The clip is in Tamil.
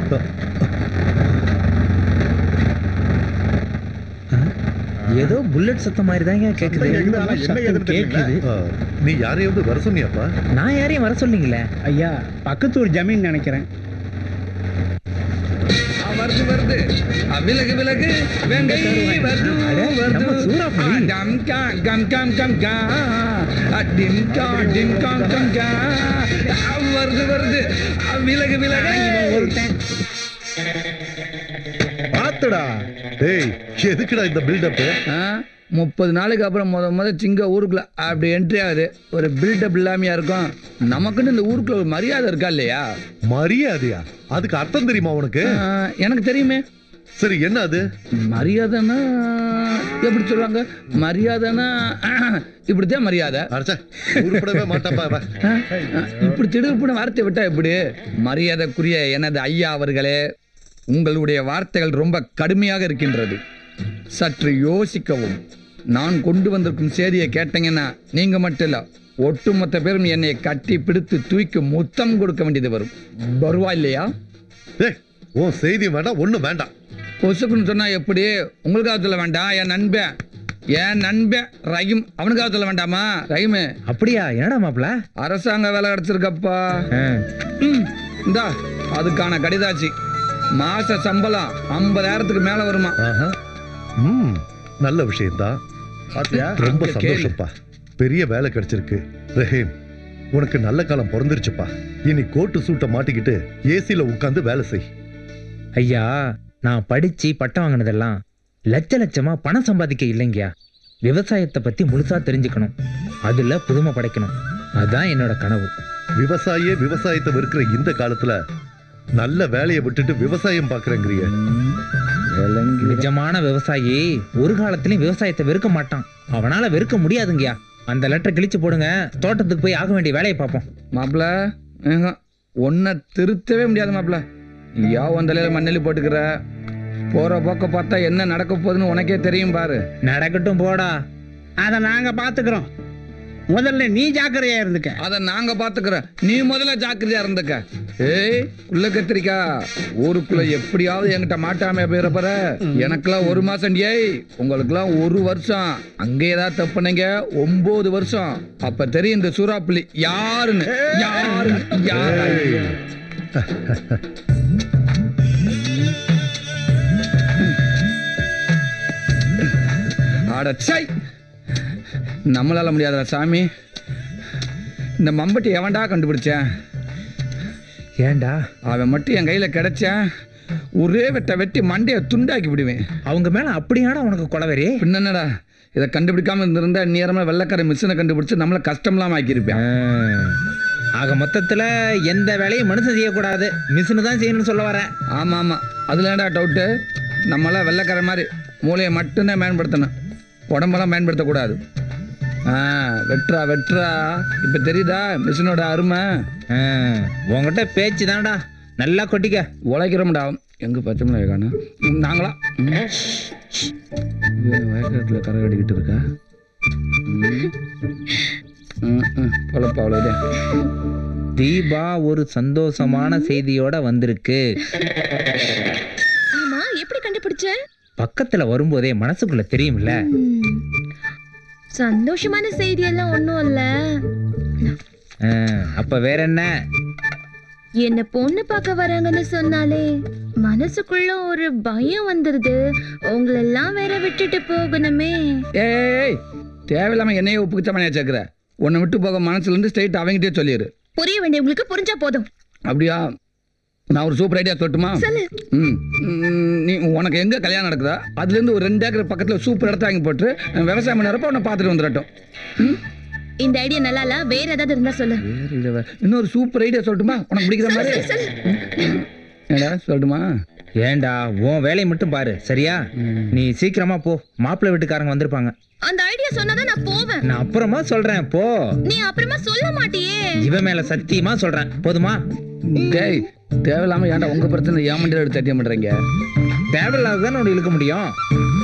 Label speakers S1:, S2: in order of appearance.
S1: ஏதோ புல்லட் சத்தம் மாதிரி தாங்க கேக்குது.
S2: நீ யாரையாவது வர சொன்னியாப்பா?
S1: நான் யாரையும் வர சொன்னீங்களே
S3: ஐயா. பக்கத்து ஒரு ஜமீன் நினைக்கிறேன்.
S4: வருது வருது விலகு விலகு வெங்கை வருது வருது சூறாப்புலி டம் கா கம் கம் கம் கா டிம் கா டிம் கம் கம் கா வருது வருது விலகு விலகு ஒருத்தன்
S2: பாத்துடா. டேய் எதுக்குடா இந்த பில்டப்?
S4: 30 நாளைக்கு அப்புறம் முத சிங்க ஊருக்குள்ள அப்படி என்ட்ரி ஆகுது. ஒரு பில்டப் இல்லாமையா இருக்கும். நமக்குன்னு இந்த ஊருக்குள்ள ஒரு மரியாதை இருக்கா இல்லையா?
S2: மரியாதையா? அதுக்கு அர்த்தம் தெரியுமா உனக்கு?
S4: எனக்கு தெரியுமே.
S2: சரி என்ன அது?
S4: மரியாதைன்னா எப்படி சொல்லுவாங்க? மரியாதைன்னா இப்படித்தான் மரியாதை.
S2: உருப்படவே மாட்டாப்பா.
S4: இப்படி திடுப்புன வார்த்தை விட்டா எப்படி? மரியாதைக்குரிய எனது ஐயா அவர்களே, உங்களுடைய வார்த்தைகள் ரொம்ப கடுமையாக இருக்கின்றது. சற்று யோசிக்கவும். நான் கொண்டு வந்திருக்கும் செய்தியை கேட்டீங்கன்னா நீங்க மட்டும் இல்ல, ஒட்டுமொத்த பேரும் என்னை கட்டி பிடித்து தூக்கி முத்தம் கொடுக்க வேண்டியது வரும். வருவா இல்லையா?
S2: உன் செய்தி வேண்டாம், ஒண்ணும் வேண்டாம்.
S4: பொசுக்குன்னு சொன்னா எப்படி? உங்களுக்காக சொல்ல வேண்டாம், என் நண்பன் ரஹீம் அவனுக்காக சொல்ல வேண்டாமா? ரஹீம்
S1: அப்படியா? என்னடா மாப்ள?
S4: அரசாங்க வேலை கிடைச்சிருக்கப்பா. இந்தா அதுக்கான கடிதாச்சு. மாச சம்பளம் 50,000க்கு மேல வருமா?
S2: நல்ல விஷயம்தான். ரொம்ப சந்தோஷப்பா. பெரிய வேலை கிடைச்சிருக்கு. ரஹீம், உனக்கு நல்ல காலம் பிறந்துருச்சுப்பா. இனி கோட்டு சூட்டை மாட்டிக்கிட்டு ஏசில உட்கார்ந்து வேலை செய்.
S1: ஐயா, நான் படிச்சு பட்டம் வாங்கினதெல்லாம் லட்சமா பணம் சம்பாதிக்க இல்லைங்கயா. விவசாயத்தை பத்தி முழுசா தெரிஞ்சுக்கணும், அதுல புதுமை படைக்கணும். அதான் என்னோட கனவு.
S2: விவசாயத்தை வெறுக்கிற இந்த காலத்துல நல்ல வேலையை விட்டுட்டு விவசாயம் பாக்குறேங்கிறிய.
S1: நிஜமான விவசாயி ஒரு காலத்திலயும் விவசாயத்தை வெறுக்க மாட்டான். அவனால வெறுக்க முடியாதுங்கயா. அந்த லெட்டர் கிழிச்சு போடுங்க, தோட்டத்துக்கு போய் ஆக வேண்டிய வேலையை பார்ப்போம்.
S4: மாப்பிள ஒன்ன திருத்தவே முடியாது மாப்பிள. யா வந்தலையில மண்ணெல்லி போட்டுக்கிற. போற போக்க பார்த்தா என்ன நடக்க போகுதுன்னு உனக்கே தெரியும் பாரு.
S1: நடக்கட்டும் போடா,
S3: அதை நாங்க பாத்துக்கிறோம். முதல்ல நீ ஜாக்கிரதையா இருந்துக்க.
S4: அத நாங்க பாத்துக்கிறோம், நீ முதல்ல ஜாக்கிரதையா இருந்துக்க. ஏய் உள்ள கத்திரிக்கா, ஊருக்குள்ள எப்படியாவது என்கிட்ட மாட்டாம போயிடப்பற. எனக்கெல்லாம் 1 மாசம், ஏய் உங்களுக்கெல்லாம் 1 வருஷம். அங்கே ஏதாவது தப்புனீங்க 9 வருஷம். அப்ப தெரியும் இந்த சூறாப்புலி யாருன்னு. அடச்சை, நம்மளால முடியாதா சாமி? இந்த மம்பட்டி எவன்டா கண்டுபிடிச்சேன்?
S1: ஏண்டா
S4: அவன் மட்டும் என் கையில கிடைச்சேன், ஒரே வெட்டி மண்டைய துண்டாக்கி விடுவேன்.
S1: அவங்க மேல அப்படியாடா உனக்கு கொலவெறி?
S4: பின்னடா, இதை கண்டுபிடிக்காம இருந்திருந்தா நேரமா வெள்ளக்கார மிஷினை கண்டுபிடிச்சு நம்மள கஷ்டம்லாம் ஆக்கியிருப்பேன்.
S1: ஆக மொத்தத்துல எந்த வேலையும் மனுஷன் செய்யக்கூடாது, மிஷினு தான் செய்யணும்னு சொல்ல வரேன்.
S4: ஆமா ஆமா, அதுல ஏன்டா டவுட்டு? நம்மளாம் வெள்ளக்கார மாதிரி மூளையை மட்டும்தான் பயன்படுத்தணும், உடம்பெல்லாம் பயன்படுத்தக்கூடாது. வெட்டுறா. இப்ப தெரியுதா மிஷினோட அருமை?
S1: உங்ககிட்ட பேச்சு தான்டா, நல்லா கொட்டிக்க.
S4: உழைக்கிறோம்டா. எங்க பச்சை மிளகாய் காணும்? நாங்களா வயக்காட்டுல கரை கட்டிக்கிட்டு இருக்கா? பொழப்பா அவ்வளோதான்.
S1: தீபா ஒரு சந்தோஷமான செய்தியோட வந்திருக்கு.
S5: ஆமா, எப்படி கண்டுபிடிச்ச?
S1: பக்கத்துல வரும்போதே மனசுக்குள்ள தெரியும்ல.
S5: சந்தோஷமான செய்தி எல்லாம் ஒண்ணும் இல்ல.
S1: அப்ப வேற என்ன?
S5: என்ன பொண்ணு பார்க்க வராங்கன்னு சொன்னாலே மனசுக்குள்ள ஒரு பயம் வந்துருது. உங்களெல்லாம் வேற விட்டுட்டு போகணுமே.
S4: ஏய், தேவையில்லாம என்னையே உப்புக்குச்சமனையா சேர்க்கிற. உன்னை விட்டு போக மனசுல இருந்து ஸ்ட்ரைட் அவங்கிட்டே சொல்லிடு.
S5: புரிய வேண்டியவங்களுக்கு புரிஞ்சா போதும்.
S4: அப்படியா? நான் ஒரு சூப்பர் ஐடியா சொல்லட்டுமா? நீ உனக்கு எங்க கல்யாணம் நடக்குதா அதுல இருந்து ஒரு 2 ஏக்கர் பக்கத்துல சூப்பர் இடத்த வாங்கி போட்டு விவசாயம் பண்ணறப்ப உன்னை பார்த்துட்டு வந்துடட்டும்.
S5: இந்த ஐடியா நல்லா இல்ல, வேற ஏதாவது இருந்தா சொல்லு.
S4: இன்னொரு சூப்பர் ஐடியா சொல்லட்டுமா? உனக்கு பிடிக்கிற மாதிரி ஏடா சொல்லட்டுமா?
S1: ஏண்டா உன் வேலையை மட்டும் பாரு சரியா? நீ சீக்கிரமா போ, மாப்பிள்ளை வீட்டுக்காரங்க வந்திருப்பாங்க.
S5: அந்த ஐடியா சொன்னாதான் நான் போவேன்.
S1: நான் அப்புறமா சொல்றேன் போ.
S5: நீ அப்புறமா சொல்ல மாட்டியே.
S1: இவன் மேல சத்தியமா சொல்றேன், போதுமா?
S4: டேய், தேவையில்லாம ஏன்டா உங்க பிரச்சனை ஏன் மண்டியில எடுத்து தட்டியம் பண்றீங்க?
S1: தேவையில்லாத தானே இழுக்க முடியும்.